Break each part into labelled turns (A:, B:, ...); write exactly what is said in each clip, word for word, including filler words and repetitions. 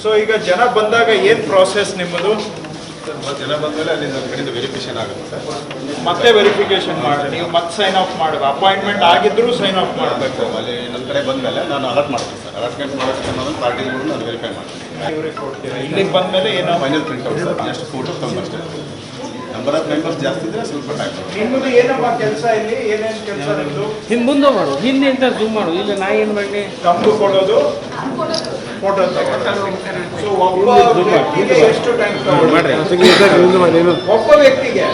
A: So ಈಗ ಜನ ಬಂದಾಗ ಏನು ಪ್ರಾಸೆಸ್ ನಿಮ್ಮದು?
B: ಸರ್ ಜನ ಬಂದಮೇಲೆ ಅಲ್ಲಿ ನಮ್ಮ ಕಡೆಯಿಂದ ವೆರಿಫಿಕೇಶನ್ ಆಗುತ್ತೆ ಸರ್.
A: ಮತ್ತೆ ವೆರಿಫಿಕೇಶನ್ ಮಾಡಿ ನೀವು ಮತ್ತೆ ಸೈನ್ ಆಫ್ ಮಾಡಬೇಕು. ಅಪಾಯಿಂಟ್ಮೆಂಟ್ ಆಗಿದ್ದರೂ ಸೈನ್ ಆಫ್ ಮಾಡಬೇಕು.
B: ಅಲ್ಲಿ ನಮ್ಮ ಕಡೆ ಬಂದಮೇಲೆ ನಾನು ಅಲರ್ಟ್ ಮಾಡ್ತೀನಿ ಸರ್. ಅಲರ್ಟ್ಮೆಂಟ್ ಮಾಡೋದಕ್ಕೆ ನಾನು ಪಾರ್ಟಿಗಳು ನಾನು ವೆರಿಫೈ ಮಾಡ್ತೀನಿ.
A: ಇವ್ರಿಗೆ ಕೊಡ್ತೀರಾ? ಇಲ್ಲಿಗೆ ಬಂದಮೇಲೆ ಏನೋ
B: ಫೈನಲ್ ಪ್ರಿಂಟ್ ಔಟ್ ಸರ್. ಎಷ್ಟು ಫೋಟೋ ತಗೊಂಡು ಅಷ್ಟೇ. ನಂಬರ್ ಆಫ್ ಮೆಂಬರ್ಸ್ ಜಾಸ್ತಿ ಇದ್ದರೆ ಸ್ವಲ್ಪ ಟೈಮ್.
A: ನಿಮ್ಮದು ಏನಮ್ಮ ಕೆಲಸ ಇಲ್ಲಿ? ಏನೇನು ಕೆಲಸ ನಿಮ್ಮದು?
C: ಹಿಂದೆ ಮುಂದೆ ಮಾಡು, ಹಿಂದೆ ಅಂತ ಜೂಮ್ ಮಾಡು. ಇಲ್ಲ ನಾ ಏನು ಮಾಡಲಿ?
A: ತಮ್ಮದು ಕೊಡೋದು, ಫೋಟೋ ತಗೊಳ್ಳೋದು. ಸೊ ಒಬ್ಬ ವ್ಯಕ್ತಿಗೆ ಎಷ್ಟು ಟೈಮ್ ತಗೊಳ್ಳಿ? ಒಬ್ಬ ವ್ಯಕ್ತಿಗೆ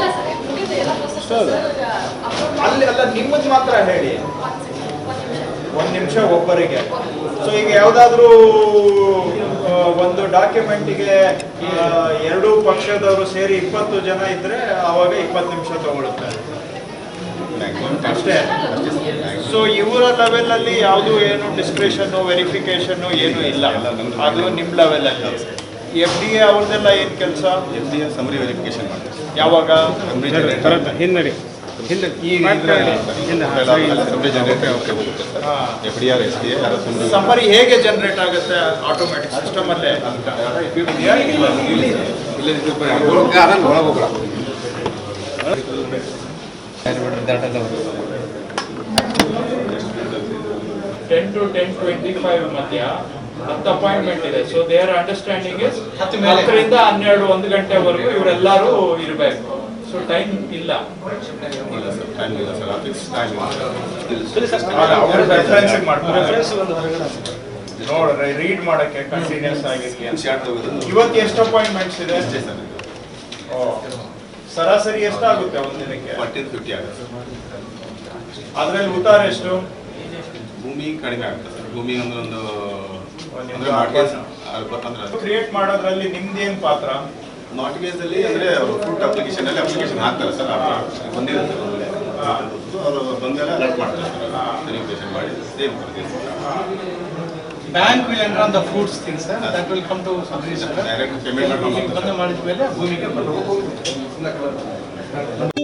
A: ಅಲ್ಲಿ ಅಲ್ಲ, ನಿಮ್ಮದು ಮಾತ್ರ ಹೇಳಿ. ಒಂದು ನಿಮಿಷ ಒಬ್ಬರಿಗೆ. ಸೊ ಈಗ ಯಾವುದಾದ್ರೂ ಒಂದು ಡಾಕ್ಯುಮೆಂಟಿಗೆ ಎರಡೂ ಪಕ್ಷದವರು ಸೇರಿ ಇಪ್ಪತ್ತು ಜನ ಇದ್ರೆ ಆವಾಗ ಇಪ್ಪತ್ತು ನಿಮಿಷ ತಗೊಳುತ್ತೆ ಅಷ್ಟೇ. ಸೊ ಇವರ ಲೆವೆಲಲ್ಲಿ ಯಾವುದು ಏನು ಡಿಸ್ಕ್ರಿಷನ್ನು ವೆರಿಫಿಕೇಶನ್ನು ಏನೂ ಇಲ್ಲ. ಅದು ನಿಮ್ಮ ಲೆವೆಲಲ್ಲಿ. ಎಫ್ ಡಿ ಎ ಅವ್ರದ್ದೆಲ್ಲ ಏನು ಕೆಲಸ?
B: F D A summary verification ಮಾಡ್ತೀವಿ.
A: ಯಾವಾಗ?
B: ಸಮರಿ ಜನರೇಟರ್
C: ಹಿಂದೆ ಹಿಂದೆ
B: ಈಗ ಸಮರಿ ಜನರೇಟರ್ ಹೋಗುತ್ತೆ sir. F D R S D A summary
A: summary ಹೇಗೆ ಜನರೇಟ್ ಆಗುತ್ತೆ? ಆಟೋಮೆಟಿಕ್ ಸಿಸ್ಟಮ್ ಅಲ್ಲೇ ten to ten twenty five ಮಧ್ಯ ಹತ್ತು ಅಪಾಯಿಂಟ್ಮೆಂಟ್ ಇದೆ. ಸೊ ದೇರ್ ಅಂಡರ್ಸ್ಟ್ಯಾಂಡಿಂಗ್ ಇಸ್ ಹತ್ತರಿಂದ ಹನ್ನೆರಡು ಒಂದು ಗಂಟೆವರೆಗೂ ಇವರೆಲ್ಲರೂ ಇರಬೇಕು. ಸೊ ಟೈಮ್ ಇಲ್ಲ.
B: ಟೈಮ್ ಇಲ್ಲ ಸರ್. ಫಿಕ್ಸ್ ಟೈಮ್
A: ನೋಡ್ರಿ, ರೀಡ್ ಮಾಡಕ್ಕೆ ಕಂಟಿನ್ಯೂಸ್ ಆಗಿರ್ಲಿ.
B: ಶಾರ್ಟ್ ತಗೋದು
A: ಇವತ್ತು ಎಷ್ಟು ಅಪಾಯಿಂಟ್ಮೆಂಟ್ಸ್ ಇದೆ?
B: ಅಷ್ಟೇ ಸರ್.
A: ಸರಾಸರಿ ಎಷ್ಟಾಗುತ್ತೆ ಒಂದಿನಕ್ಕೆ?
B: ಫಾರ್ಟಿ ಫಿಫ್ಟಿ ಆಗುತ್ತೆ.
A: ಅದ್ರಲ್ಲಿ ಉತ್ತಾರ ಎಷ್ಟು?
B: ಭೂಮಿ ಕಡಿಮೆ ಆಗುತ್ತೆ ಸರ್. ಭೂಮಿ ಅಂದ್ರೆ ಒಂದು
A: ಒಂದು
B: ಅಂದ್ರೆ
A: ಕ್ರಿಯೇಟ್ ಮಾಡೋದ್ರಲ್ಲಿ ನಿಮ್ದೇನ್ ಪಾತ್ರ?
B: ಮಾರ್ಟ್ಗೇಜ್ ಅಲ್ಲಿ ಅಂದ್ರೆ ಫುಡ್ ಅಪ್ಲಿಕೇಶನ್ ಅಲ್ಲಿ ಅಪ್ಲಿಕೇಶನ್ ಹಾಕ್ತಾರೆ ಸರ್. ಬಂದಿರುತ್ತೆ ಅವರು ಬಂದೆಲ್ಲ ಅಲರ್ಟ್ ಮಾಡ್ತಾರೆ ಸರ್. ವೆರಿಫಿಕೇಶನ್ ಮಾಡಿ ಸೇವ್ ಮಾಡ್ತೀವಿ.
D: Bank will enter on the fruits things, sir. That will come to subsidy.
B: Direct payment
D: ಬಂದ ಮಾಡಿದ ಮೇಲೆ ಭೂಮಿಗೆ ಬರಬೇಕು.